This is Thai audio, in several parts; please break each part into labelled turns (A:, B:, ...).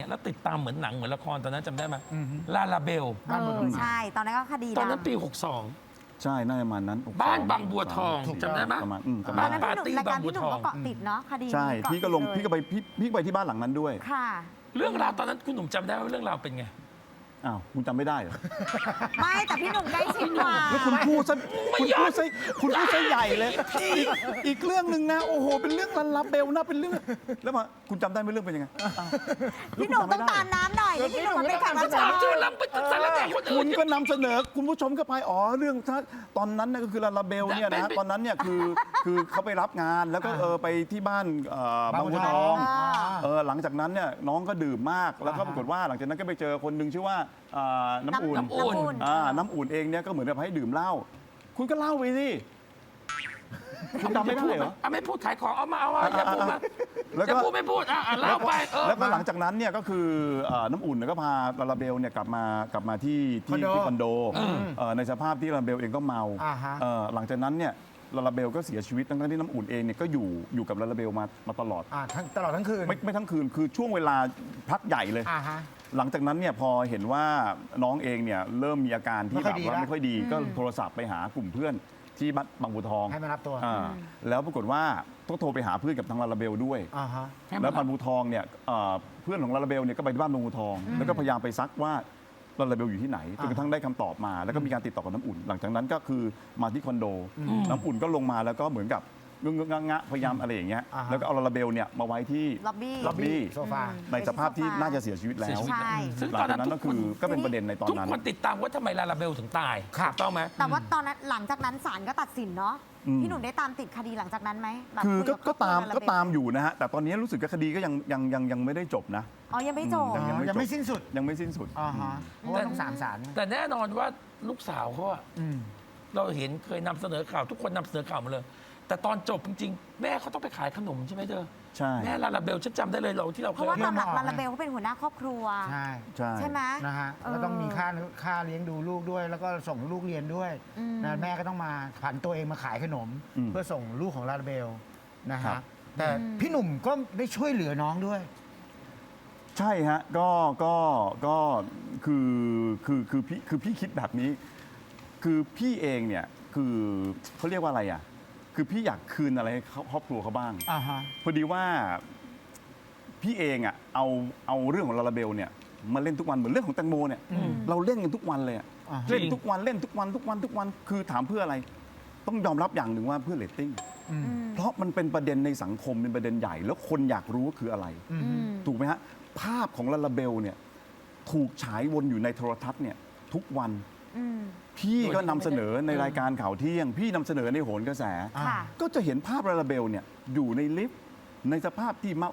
A: แล้วติดตามเหมือนหนังเหมือนละครตอนนั้นจำได้ไหมลาลาเบล
B: ใช่ตอนนั้นก็คดี
A: ตอนนั้น
B: ดัง
A: ปี
C: ใช่น่าจะประมาณนั้น
A: บ้านบางบัวทอง
C: ถูก
A: จำได้ไหม
C: ประมาณประ
B: ต
C: มา
B: อ
C: ณ
B: นนั้น
A: ปา
B: พี่ห
A: ร์
B: นุ่ม
A: ตี้
B: รายการ
A: บางบัว
B: พี่หนุ่ม
A: ทอง
B: ก็เกาะติดเนาะคดี
C: ใช่
B: นี้
C: พี่ก็ลง
B: เาะ
C: พี่
B: ติด
C: ก็ไป
B: เลย
C: พี่ก็ไปที่บ้านหลังนั้นด้วย
B: ค่ะ
A: เรื่องราวตอนนั้นคุณหนุ่มจำได้ว่าเรื่องราวเป็นไง
C: อ้าวคุณจำไม่ได้เหรอ
B: ไม่แต่พี่หนุ่มใกล้ชิดกว่า
C: แล้วคุณพูดซะคุณพูดซะใหญ่เลยอีกเรื่องหนึ่งนะโอ้โหเป็นเรื่องลันลับเบลนะเป็นเรื่องแล้วมาคุณจำได้ไหมเรื่องเป็นยังไง
B: พี่หนุ่มต้องตามน้ำหน่อยนี่พี่หนุ่มมันเป็นแขกรับเชิ
A: ถาม
B: ญ
A: เจอลำไปสารแหน่คนอื่
C: คุ
A: น
C: ณก็นำเสนอคุณผู้ชมก็ไปอ๋อเรื่องตอนนั้นนะก็คือลาลาเบลเนี่ยนะตอนนั้นเนี่ยคือเขาไปรับงานแล้วก็ไปที่บ้านบางบัวทองหลังจากนั้นเนี่ยน้องก็ดื่มมากแล้วก็ปรากฏว่าหลังจากนั้นก็ไปเจอคนหนึ่งชื่อว่าน้ำอุ่น
A: น้ำอุ่น
C: น้ำอุ่นเองเนี่ยก็เหมือนกับให้ดื่มเหล้าคุณก็เล่าไปสิคุณจำไม่ได้เหรอ
A: ไม่พูดขายของเอามาอย่าพูดมา
C: แล้ว
A: จะ
C: ก็
A: พูดไม่พูดเล่าไป
C: แล้วก็หลังจากนั้นเนี่ยก็คือน้ำอุ่นเนี่ยก็พาลาลาเบลเนี่ยกลับมาที่คอนโดในสภาพที่ลาลาเบลเองก็เมาหลังจากนั้นเนี่ยลาลาเบลก็เสียชีวิตทั้งที่น้ำอุ่นเองเนี่ยก็อยู่กับลาลาเบลมาตลอด
D: ตลอดทั้งคืน
C: ไม่ทั้งคืนคือช่วงเวลาพักใหญ่เลย หลังจากนั้นเนี่ยพอเห็นว่าน้องเองเนี่ยเริ่มมีอาการที่แบบว่าไม่ค่อยดีก็โทรศัพท์ไปหากลุ่มเพื่อนที่บ้านบางบัวทอง
D: ให้มารับตัว
C: แล้วปรากฏว่าต้องโทรไปหาเพื่อนกับทางลาลาเบลด้วยแล้วบางบัวทองเนี่ยเพื่อนของลาลาเบลเนี่ยก็ไปที่บ้านบางบัวทองแล้วก็พยายามไปซักว่าลาลาเบลอยู่ที่ไหนจนกระทั่งได้คำตอบมาแล้วก็มีการติดต่อกับน้ำอุ่น หลังจากนั้นก็คือมาที่คอนโดน้ำอุ่นก็ลงมาแล้วก็เหมือนกับงะพยายามอะไรอย่างเงี้ยแล้วก็เอาลาลาเบลเนี่ยมาไว้ที่
B: ล็อบบี้
C: ล็อบบี้
D: โซฟา
C: ในสภาพที่น่าจะเสียชีวิตแล้ว
B: ใช่
A: ซึ่ง
C: หลั
A: ตอง น
C: จาก
A: นั้น
C: นั้นก็คือก็เป็นประเด็นในตอน
A: ทุก
C: นั้น
A: คนติดตามว่าทำไมลาลาเบลถึงตาย
D: ครับ
A: ถูกต้องไหม
B: แต่ว่าตอนนั้นหลังจากนั้นศาลก็ตัดสินเนาะ พี่หนุ่มได้ตามติดคดีหลังจากนั้นไหมแบบ
C: คือ
B: คุยบ
C: ก็
B: ครอบครัว
C: ตาม
B: ลลเบล
C: ก็ตามอยู่นะฮะแต่ตอนนี้รู้สึกว่าคดีก็ยังไม่ได้จบนะ
B: อ๋อยังไม่จบ
D: ยังไม่สิ้นสุด
C: ยังไม่สิ้นสุด
D: เพราะว่าต้องศาล
A: แต่แน่นอนว่าลูกสาวเขาอะเราเห็นเคยนำเสนอข่าวทุกคนนำเสนอข่าวหมาเลย แต่ตอนจบจริงๆ แม่เขาต้องไปขายขนมใช่ไหมเธอ
C: ใช่
A: แม่ลาลาเบลฉันจำได้เลยเราที่เรา
B: เพ
A: เคย
B: ราะว่าตามหลัก
D: เรื่องหมอ
B: ลาลาเบลเขาเป็นหัวหน้าครอบครัว
D: ใช่
B: ใช่ไหม
D: นะฮะแล้วต้องมีค่าเลี้ยงดูลูกด้วย แล้วก็ส่งลูกเรียนด้วยนะแม่ก็ต้องมาผันตัวเองมาขายขนม เพื่อส่งลูกของลาลาเบลนะฮะแต่พี่หนุ่มก็ได้ช่วยเหลือน้องด้วย
C: ใช่ฮะก็คือพี่คิดแบบนี้ คือพี่เองเนี่ยคือเขาเรียกว่าอะไรอ่ะคือพี่อยากคืนอะไรให้ครอบครัวเขาบ้างพอดีว่าพี่เองอ่ะเอาเรื่องของลาลาเบลเนี่ยมาเล่นทุกวันเหมือนเรื่องของแตงโมเนี่ยเราเล่นกันทุกวันเลยอะเล่นทุกวันเล่นทุกวันคือถามเพื่ออะไรต้องยอมรับอย่างหนึ่งว่าเพื่อเรตติ้งเพราะมันเป็นประเด็นในสังคมเป็นประเด็นใหญ่ แล้วคนอยากรู้ว่าคืออะไรถูกไหมฮะภาพของลาลาเบลเนี่ยถูกฉายวนอยู่ในโทรทัศน์เนี่ยทุกวันพี่ก็นำเสนอในรายการข่าวเที่ยง พี่นำเสนอในโหนกระแส ก็จะเห็นภาพลาลาเบลเนี่ยอยู่ในลิฟต์ในสภาพที่เมา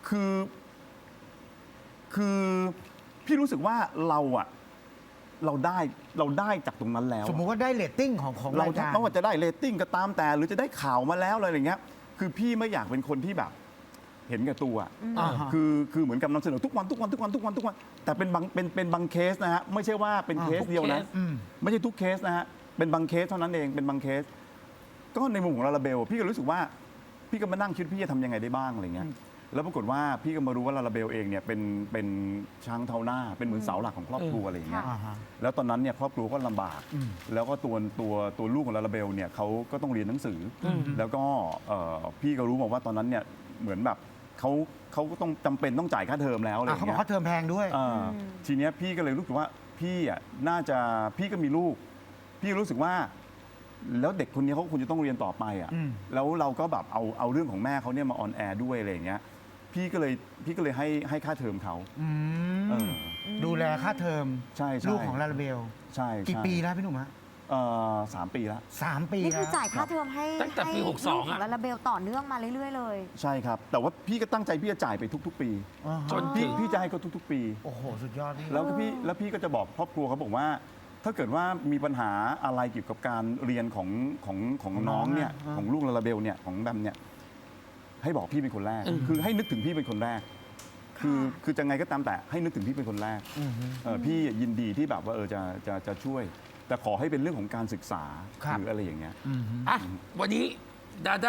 C: คือพี่รู้สึกว่าเราได้จากตรงนั้นแล้ว
D: สมมุติว่าได้เรตติ้งของ
C: เรา
D: รายการ
C: ไม่ว่าจะได้เรตติ้งก็ตามแต่หรือจะได้ข่าวมาแล้วอะไรอย่างเงี้ยคือพี่ไม่อยากเป็นคนที่แบบเห็นแก่ตัวคือเหมือนกับนำเสนอทุกวันแต่เป็นบางเคสนะฮะไม่ใช่ว่าเป็นเคสเดียวนะไม่ใช่ทุกเคสนะฮะเป็นบางเคสเท่านั้นเองเป็นบางเคส ก็ในมุมของลาลาเบลพี่ก็รู้สึกว่าพี่ก็มานั่งคิดพี่จะทำยังไงได้บ้างอะไรเงี้ยแล้วปรากฏว่าพี่ก็มารู้ว่าลาลาเบลเองเนี่ยเป็นช้างเท้าหน้าเป็นเหมือนเสาหลักของครอบครัวอะไรอย่างเงี้ยแล้วตอนนั้นเนี่ยครอบครัวก็ลำบากแล้วก็ตัวลูกของลาลาเบลเนี่ยเขาก็ต้องเรียนหนังสือแล้วก็พี่ก็รู้มาว่าตอนนั้นเนี่ยเหมือนแบบเขาก็ต้องจำเป็นต้องจ่ายค่าเทอมแล้วอะไรอย่าง
D: เขาบอ
C: เงี้
D: ก
C: ย
D: เขาเทอมแพงด้วย
C: ทีเนี้ยพี่ก็เลยรู้สึกว่าพี่อ่ะน่าจะพี่ก็มีลูก พี่รู้สึกว่า แล้วเด็กคนนี้เขาควรจะต้องเรียนต่อไปอ่ะแล้วเราก็แบบเอาเรื่องของแม่เขาเนี่ยมาออนแอร์ด้วยอะไรอย่างเงี้ยพี่ก็เลยให้ค่าเทอมเขา
D: ดูแลค่าเทอม
C: ใช่
D: ลูกของลาลาเบล
C: ใช่
D: กี่ปีแล้วพี่หนุ่มฮะ
C: 3 ปีแล้ว
D: 3 ปี
B: นี่คือ
D: แล้ว
B: จ่ายค่าเทอมให้
A: ตั้งแต่ปี
B: ให้
A: 62
B: ลูกของลาลาเบลต่อเนื่องมาเรื่อยๆเลย
C: ใช่ครับแต่ว่าพี่ก็ตั้งใจพี่จะจ่ายไปทุกๆ ปี
A: จนถึง
C: พี่จะให้เขาทุกๆ ปี
D: โอ้โหสุดยอดพี่
C: แล้วพี่ก็จะบอกครอบครัวเขาบอกว่า ถ้าเกิดว่ามีปัญหาอะไรเกี่ยวกับการเรียนของน้องเนี่ยของลูกลาลาเบลเนี่ยของแบมเนี่ยให้บอกพี่เป็นคนแรกคือให้นึกถึงพี่เป็นคนแรกคือจะไงก็ตามแต่ให้นึกถึงพี่เป็นคนแรกพี่ยินดีที่แบบว่าจะช่วย แต่ขอให้เป็นเรื่องของการศึกษาหรืออะไรอย่างเงี้ย
A: อ่ะวันนี้ดาด้า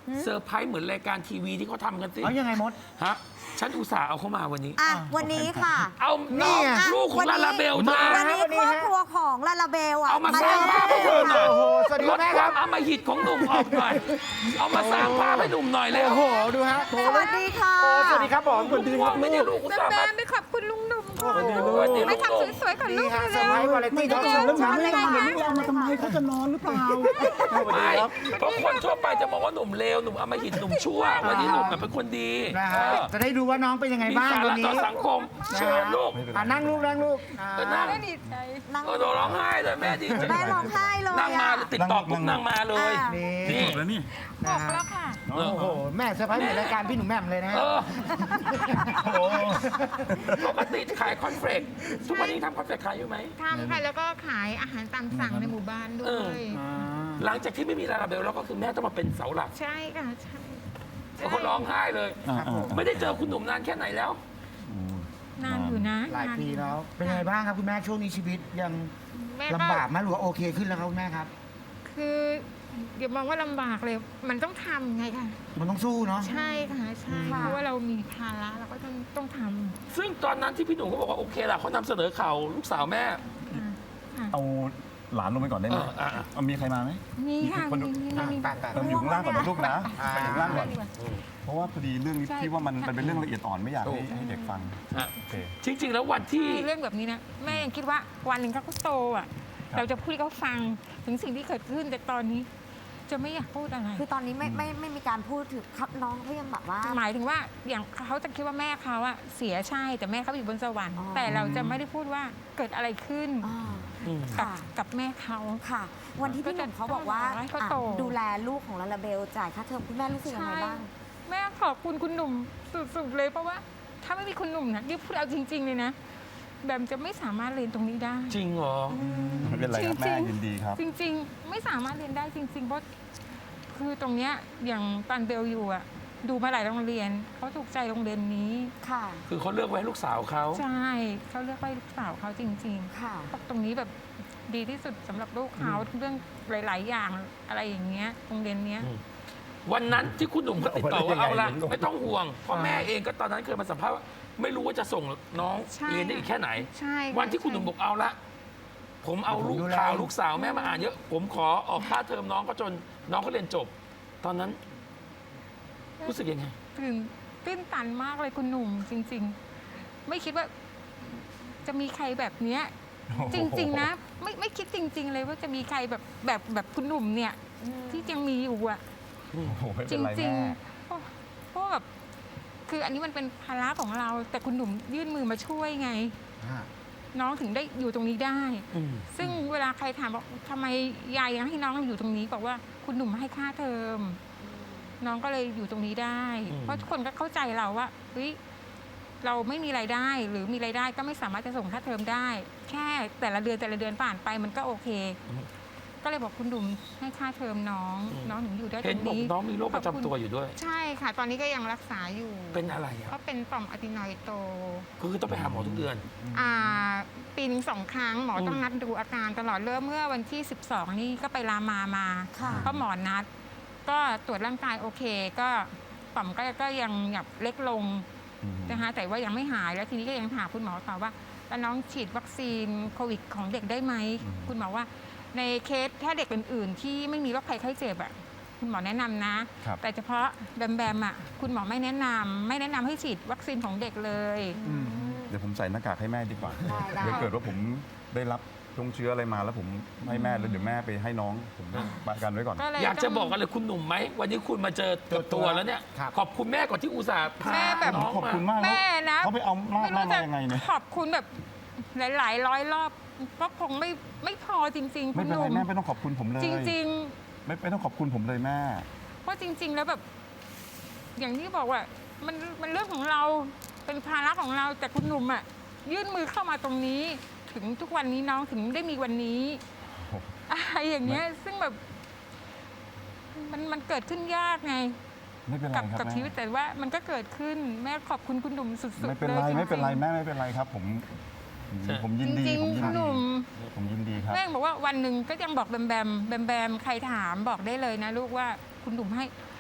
A: เซอร์ไพรส์เหมือนรายการทีวีที่เขาทำกันสิ
D: เอายังไงมด
A: ฮะฉันอุตส่าห์เอาเข้ามาวันนี้
B: อ่ะวันนี้ค่ะ
A: เอา
D: นี่
A: น้อง
D: ไง
A: ลูกของลาลาเบล
D: มา
B: วันนี้ครอบครัวของลาลาเบลอ่ะ
A: เอามาสร้างภาพให้เธอหน่อย
D: โอ้โหสวัสดี
A: ลด
D: แม่
A: ค
D: ครั
A: วา
D: บ
A: มอำมหิตของหนุ่มออกหน่อย เอามาสร้างภาพให้หนุ่มหน่อยเร็ว
D: โอ้โห ดูฮะ
B: สวัสดีค่ะ
D: โอ้สวัสดีครับผมสวัสดีครับ
A: ไม่ได้ลูกอุตส่าห์มา
E: ไม่ขอบคุณลุงหนุ่มค่ะ
D: สวัสดีลูก
A: สวัสดี
E: ไม่
A: ลูก
E: ทำสวยๆกับ
D: ดี
E: ลูก
D: ฮะเซ
E: เร็
D: อร์
E: ว
D: ไพรส์วาไรตี้ทอล์กโชว์
B: แล้วหนู
C: เรามาทำไมเขาจะนอนหรือเปล่า
A: ไม่เพราะคนทั่วไปจะมองว่าหนุ่มเลวหนุ่มอำมหิตหนุ่มชั่ว วันนี้หนุ่มแบบเป็นคนดี
D: นะฮะ จะได้ดูว่าน้องเป็นยังไง
A: มี
D: บ้าง
A: สา
D: วัน
A: ระ
D: นี้
A: ต่อสังคมเชิญลูก
D: อ่ะนั่งลูกนั่งลูกอ่า
A: ก็นั่ง
E: ดีใจ
B: นั่ง
A: โดนร้องไห้เลยแม่ดีใจ
B: แม่ร้องไห้เลย
A: นั่งมา
B: อ่ะ
A: เลยติดต่อปุ๊บนั่งมาเลย
B: อ่ะ
D: นี่
A: นี่
C: แล้วนี่
E: บ
D: นะ
E: อก
D: ฮะ
E: แล้วค่ะ
D: โอ้โห แม่เซอร์ไพรส์เหมือนรายการพี่หนุ่มแหม่มเลยนะฮะ
A: เออ
C: โอ้โห
A: ปกติขายคอนเฟลกทุกวันนี้ทำคอนเฟลกขายอยู่ไหม
E: ทำค่ะ แล้วก็ขายอาหารตามสั่งในหมู่บ้านด้ว
A: เออ
E: ย
A: หลังจากที่ไม่มีลาลาเบลแล้วก็คือแม่ต้องมาเป็นเสาหลัก
E: ใช่ค่ะ ใช่
A: เขาร้องไห้เลย ไม่ได้เจอคุณหนุ่มนานแค่ไหนแล้ว
E: นานอยู่นะ
D: หลายปีแล้ว เป็นยังไงบ้างครับคุณแม่ช่วงนี้ชีวิตยัง
E: แม่ก็
D: ลำบากไหมหรือว่าโอเคขึ้นแล้วครับคุณแม่ครับ
E: คืออย่ามองว่าลำบากเลย มันต้องทำไงค่ะ
D: มันต้องสู้เนาะ
E: ใช่ค่ะ ใช่
B: ค่ะ
E: เพราะว่าเรามีภาระเราก็ต้องท
A: ซึ่งตอนนั้นที่พี่หนุ่มเขาบอกว่าโอเคล่ะเขานำเสนอข่าวลูกสาวแม่
E: ำค่ะ
C: เอาหลานลงไปก่อนได้ไหม เอามีใครมาไหม
E: นี่ค่ะ
C: คนดู
E: นี่
D: แต่
C: เราอยู่ข้างล่างก่อนนะลูกนะไปอยู่ข้างล่างก่อน
E: ดีกว่า
C: เพราะว่าพอดีเรื่องนี้
E: ใช่
C: พี่ว่ามันเป็นเรื่องละเอียดอ่อนไม่อยากให้เด็กฟัง
A: อ่ะ
C: โอเค
A: จริง ๆ แล้ววันที่
E: เรื่องแบบนี้นะแม่ยังคิดว่าวันหนึ่งเขาก็โตอ่ะ
C: ครับ
E: เราจะพูดให้เขาฟังถึงสิ่งที่เกิดขึ้นแต่ตอนนี้ จะไม่อยากพูดอะไร
B: คือตอนนี้ไม่มีการพูดถึงครับน้องเขายังแบบว่า
E: หมายถึงว่าอย่างเขาจะคิดว่าแม่เขาอะเสียใช่แต่แม่เขาอยู่บนสวรรค์
B: อ๋อ
E: แต่เราจะไม่ได้พูดว่าเกิดอะไรขึ้น
B: อ่า
E: กับ
B: ค่ะ
E: กับแม่เขา
B: ค่ะ วันที่พี่หนุ่มเขาบอกว่า
E: ให้เขา
B: อ่ะ
E: โต
B: ดูแลลูกของลาลาเบลจ่ายค่าเทอมคุณแม่รู้สึกยังไงบ้าง
E: แม่ขอบคุณคุณหนุ่มสุดๆเลยเพราะว่า ถ้าไม่มีคุณหนุ่มนะนี่พูดเอาจริง ๆ เลยนะแบมจะไม่สามารถเรียนตรงนี้ได้
A: จริงเหรอ
C: ไม่เป็นไรครับแม่ยินดีครับ
E: จริง ๆ ไม่สามารถเรียนได้จริง ๆ เพราะคือตรงเนี้ยอย่างตอนเบลอยู่อะดูมาหลายโรงเรียนเขาถูกใจโรงเรียนนี้
B: ค่ะ
A: คือเขาเลือกไว้ให้ลูกสาวเขา
E: ใช่เขาเลือกไว้ลูกสาวเขาจริง
B: ค่ะ
E: ๆเพราะตรงนี้แบบดีที่สุดสำหรับลูกเขาเรื่องหลาย ๆ อย่างอะไรอย่างเงี้ยโรงเรียนเนี้ย
A: วันนั้นที่คุณหนุ่มเขาติดต่อว่า
C: เอา
A: เอา
C: ไว้ได้
A: ละ
C: ยังไง
A: ไม่ต้องห่วงเพราะแม่เองก็ตอนนั้นเคยมาสัมภาษณ์ว่าไม่รู้ว่าจะส่งน้อง
E: ใช่
A: เรียนได้อีกแค่ไหน
E: ใช่ค่ะ
A: วันที่คุณหนุ่มบอกเอาละผมเอาลูก
D: ดูแล
A: ข่าวลูกสาวแม่มาอ่านเยอะ ผมขอออกค่าเทอมน้องก็จนน้องเขาเรียนจบ ตอนนั้น รู้สึกยังไง
E: ตื้นตันมากเลยคุณหนุ่มจริง ๆ ไม่คิดว่า จะมีใครแบบเนี้ย จริง ๆ นะ ไม่คิดจริง ๆ เลยว่าจะมีใครแบบคุณหนุ่มเนี่ย ที่ยังมีอยู่อะ
C: โอ้โหไม่
E: จ
C: เป็นไร
E: ริง
C: แม่
E: ๆเพราะแบบคืออันนี้มันเป็นภาระของเรา แต่คุณหนุ่มยื่นมือมาช่วยไง น้องถึงได้อยู่ตรงนี้ได้ ซึ่งเวลาใครถามบอกทำไมยายยังให้น้องอยู่ตรงนี้ บอกว่าคุณหนุ่มให้ค่าเทอม น้องก็เลยอยู่ตรงนี้ได้ เพราะทุกคนก็เข้าใจเราว่าเฮ้ยเราไม่มีรายได้ หรือมีรายได้ก็ไม่สามารถจะส่งค่าเทอมได้ แค่แต่ละเดือนผ่านไปมันก็โอเค ก็เลยบอกคุณหนุ่มให้ค่าเทอมน้อง น้องถึงอยู่ได้ต
A: เห็น
E: รง
A: บอก
E: นี้
A: น้องมีโรคประจำตัวอยู่ด้วย
E: ใช่ค่ะ ตอนนี้ก็ยังรักษาอยู่
A: เป็นอะไรอ่ะ
E: ก็เป็นต่อมอะตินอยด์โต
A: คือต้องไปหาหมอทุกเดือน
E: ปีหนึง2 ครั้งหมอต้องนัดดูอาการตลอดเริ่มเมื่อวันที่ 12 นี่ก็ไปรามา
B: ค่ะ
E: ก็หมอนัด ก็ตรวจร่างกายโอเค ก็ต่อมก็ยังแบบเล็กลงนะคะแต่ว่ายังไม่หายแล้วทีนี้ก็ยังถามคุณหมอต่อว่าแล้วน้องฉีดวัคซีนโควิดของเด็กได้ไหมคุณหมอว่าในเคสถ้าเด็กอื่นๆ ที่ไม่มีโรคภัยไข้เจ็บอ่ะคุณหมอแนะนำนะ
C: ครับ
E: แต่เฉพาะแบมอ่ะคุณหมอไม่แนะนำให้ฉีดวัคซีนของเด็กเลย
C: เดี๋ยวผมใส่หน้ากากให้แม่ดีกว่า
B: ได้
C: เดี๋ยวเกิดว่าผมได้รับตรงเชื้ออะไรมาแล้วผมให้แม่แล้วเดี๋ยวแม่ไปให้น้อง ผมประกันไว้ก่อน
E: ก็เลย
A: อยากจะ
E: ต้ง
A: บอกอะไรคุณหนุ่มไหมวันนี้คุณมาเจอกับตัวแล้วเนี่ย
D: ครับ
A: ขอบคุณแม่ก่อนที่อุตส่าห์พา
E: แม่แบบ
A: น้อง
C: ขอบ
A: มา
C: คุณมาก
E: แม่นะ
C: เขาไปเอาลาด
E: ไม่
C: มา
E: รู้จะ
C: ยังไงเนี่ย
E: ขอบคุณแบบหลายๆร้อยรอบก็คงไม่พอจริงๆ
C: ไม่
E: คุณ
C: เป็น
E: ห
C: ไร
E: นุ่ม
C: แม่ไม่ต้องขอบคุณผมเลย
E: จริง
C: ไม่ต้องขอบคุณผมเลยแม่
E: ๆ เพราะจริง ๆ แล้วแบบ อย่างที่บอกว่ามันเรื่องของเราเป็นภาระของเราแต่คุณหนุ่มอ่ะยื่นมือเข้ามาตรงนี้ ถึงทุกวันนี้น้องถึงได้มีวันนี้อะไรอย่างเงี้ย ซึ่งแบบมันเกิดขึ้นยากไง
C: ไม่เป็นไร
E: กับ
C: ครับ
E: กับ
C: แม่
E: ชีวิตแต่ว่ามันก็เกิดขึ้นแม่ขอบคุณคุณหนุ่มสุดๆ
C: ไม่เป็น
E: ล
C: ไร
E: ยจงๆ
C: ไม่เป็นไรแม่ไม่เป็นไรครับ ผมยินดี
E: จริง
C: ผม
E: ๆ
C: ยิ
E: คุ
C: น
E: ณห
C: ดี
E: นุ่ม
C: ผมยินดีครับ
E: แม่บอกว่าวันหนึ่งก็ยังบอกแบมใครถามบอกได้เลยนะลูกว่าคุณหนุ่มให้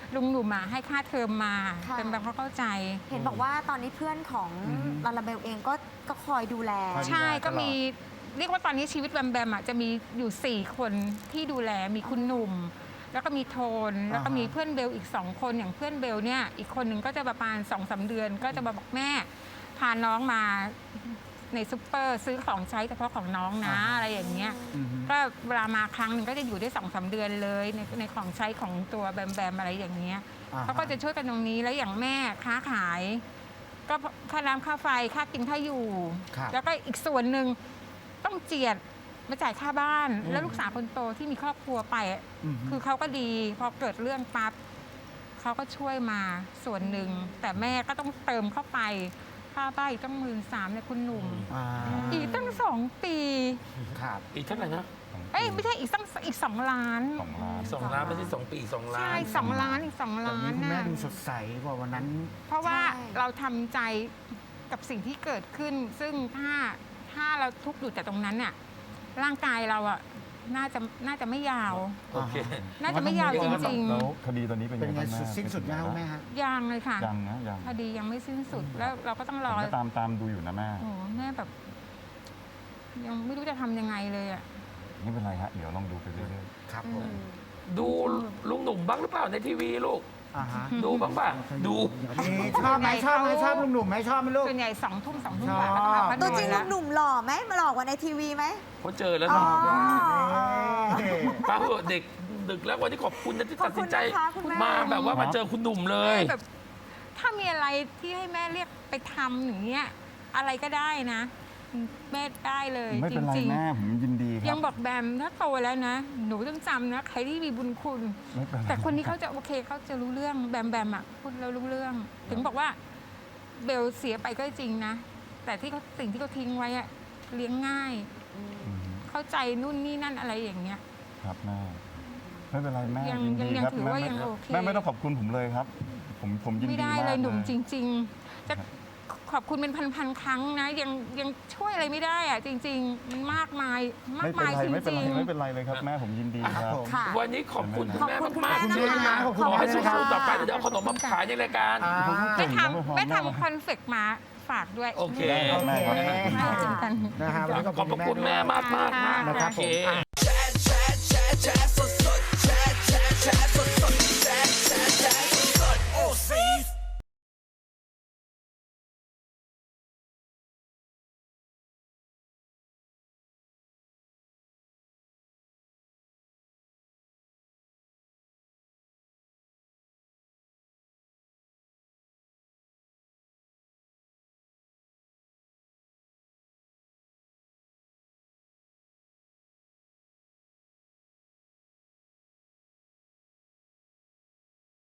E: ลุงหนุ่มให้ค่าเทอมมา
B: ค่ะ
E: เป็นแบบเขาเข้าใจ
B: เห็นบอกว่าตอนนี้เพื่อนของลาลาเบลเองก็คอยดูแล
E: ใช่ก็มีเรียกว่าตอนนี้ชีวิตแบมแบมจะมีอยู่ 4 คนที่ดูแลมีคุณหนุ่ม แล้วก็มีโทน แล้วก็มีเพื่อนเบลอีก 2 คนอย่างเพื่อนเบลเนี่ยอีกคนหนึ่งก็จะประมาณ 2-3 เดือน ก็จะมาบอกแม่พาน้องมาในซุปเปอร์ซื้อของใช้เฉพาะของน้องนะอะไรอย่างเงี้ยก็เวลามาครั้งหนึ่งก็จะอยู่ได้2-3 เดือนเลยในของใช้ของตัวแบมแบมอะไรอย่างเงี้ยเขาก็จะช่วยกันตรงนี้แล้วอย่างแม่ค้าขาย ก็ค่าน้ำค่าไฟค่ากินค่าอยู่ แล้วก็อีกส่วนหนึ่งต้องเจียดมาจ่ายค่าบ้าน แล้วลูกสาวคนโตที่มีครอบครัวไปคือเขาก็ดีพอเกิดเรื่องปั๊บเขาก็ช่วยมาส่วนหนึ่งแต่แม่ก็ต้องเติมเข้าไปค่าบ้านอีกตั้ง13,000เนี่ยคุณหนุ่มอีกตั้ง2 ปี
D: ครับ
A: อีกเท่าไหร่นะ
E: เอ้ยไม่ใช่อีก2 ล้าน
A: 2 ล้านไม่ใช่2 ปี2 ล้าน
E: ใช่2 ล้านอีก2
D: ตอน
E: ล้าน
D: นี้คุณแม่
E: น่ะ
D: ดูสดใสกว่าวันนั้น
E: เพราะว่า
B: ใช่
E: เราทำใจกับสิ่งที่เกิดขึ้น ซึ่งถ้าเราทุกข์อยู่แต่ตรงนั้นเนี่ยร่างกายเราอะน่าจะไม่ยาว
A: โอเค
E: น่าจะไม่ยาวจริง
F: แล้วคดีตอนนี้เป็น
D: เป็นไง
F: บ้างแม่
D: สิ้นสุดยังคุณแม่ฮะ
E: ๆยังเลยค่ะ
F: ยังนะยัง
E: คดียังไม่สิ้นสุดแล้วเราก็ต้อง
F: ผ
E: ร
F: ม
E: อ
F: ก็ตามดูอยู่นะแม่
E: โอ้โหแม่แบบ ยังไม่รู้จะทำยังไงเลยอะ
F: ไม่เป็นไรฮะเดี๋ยวลองดูไปเรื่อย
D: ครับผม
A: ดูลุงหนุ่มบ้างหรือเปล่าในทีวีลูก
D: อ่าฮะ
A: ดูบ้างป่ะ ดู
D: นี่ชอบไหมชอบไหมชอบลุงหนุ่มไหมชอบไหมลูก
E: ส่วนใหญ่2 ทุ่ม2 ทุ่ม
D: ชอบ
E: กว่าก็ต้องพัก
B: ตัวจริง
E: แล้ว
B: หนุ่มๆหล่อไหมหล่อกว่าในทีวีไหม
A: เขาเจอแล้ว
B: อ๋อ
A: ป้าเหอะเด็กดึกแล้ววันนี้ขอบคุณนะที่ตัดสินใจ
B: ขอบคุณนะคะคุณแม่
A: มาแบบว่ามาเจอคุณหนุ่มเลย
E: แบบถ้ามีอะไรที่ให้แม่เรียกไปทำอย่างเงี้ยอะไรก็ได้นะ แม่ได้เลย
F: ๆไม่
E: จ
F: เป็นไร
E: ริง
F: แม่ผมยินดีค
E: ยั
F: รั
E: ง
F: บ
E: บอกแบมถ้าโตแล้วนะ หนูต้องจำนะ ใครที่มีบุญคุณ
F: ไม่เป็นไร
E: แต่คนนี้เขาจะโอเคเขาจะรู้เรื่องแบมแบมอ่ะพูดแล้วรู้เรื่อง ถึงบอกว่าเบลเสียไปก็จริงนะ แต่ที่เขาสิ่งที่เขาทิ้งไว้อะเลี้ยงง่าย
F: อืม
E: เข้าใจนู่นนี่นั่นอะไรอย่างเงี้ย
F: ครับแม่ไม่เป็นไรแม่
E: ยัง
F: ยินดี
E: ยัง
F: ครับ
E: ถือว่ายังโอเค
F: แม่ไม่ต้องขอบคุณผมเลยครับ ผมยินดี
E: ไม่ได้
F: มาก
E: เลยหนุ่ม
F: เลย
E: จริง ๆ จะขอบคุณเป็นพันๆครั้งนะยังช่วยอะไรไม่ได้อะจริง ๆ มันมากมายมาก
F: ไม่เป็น
E: มาย
F: ไร
E: จริง
F: ไม่เป็นไรเลยครับแม่ผมยินดีครับ
D: ผม
B: ค่ะ
A: วันนี้ขอบคุณคุณแม่
B: ขอบคุณ
A: มาก
B: คุณ
A: ๆ
B: แม่นะคะ
D: ขอบคุณ
A: ขอให้
D: มากนะครับ
A: สู้ๆต่อไปเดี๋ยวเอาขนมมาขายในรายการ
D: อ่า
E: ๆไม่
F: ยังไม่พอ
E: ทำไม่
F: แม่
E: ทำคอนเฟกต์มาฝากด้วย
A: โอเค
D: โอเค
E: ให้เจอกัน
D: นะฮะวันนี้
A: ขอบพระคุณแม่มากๆนะ
D: นะครับ
A: โอเค
D: ผม
G: แชร์สด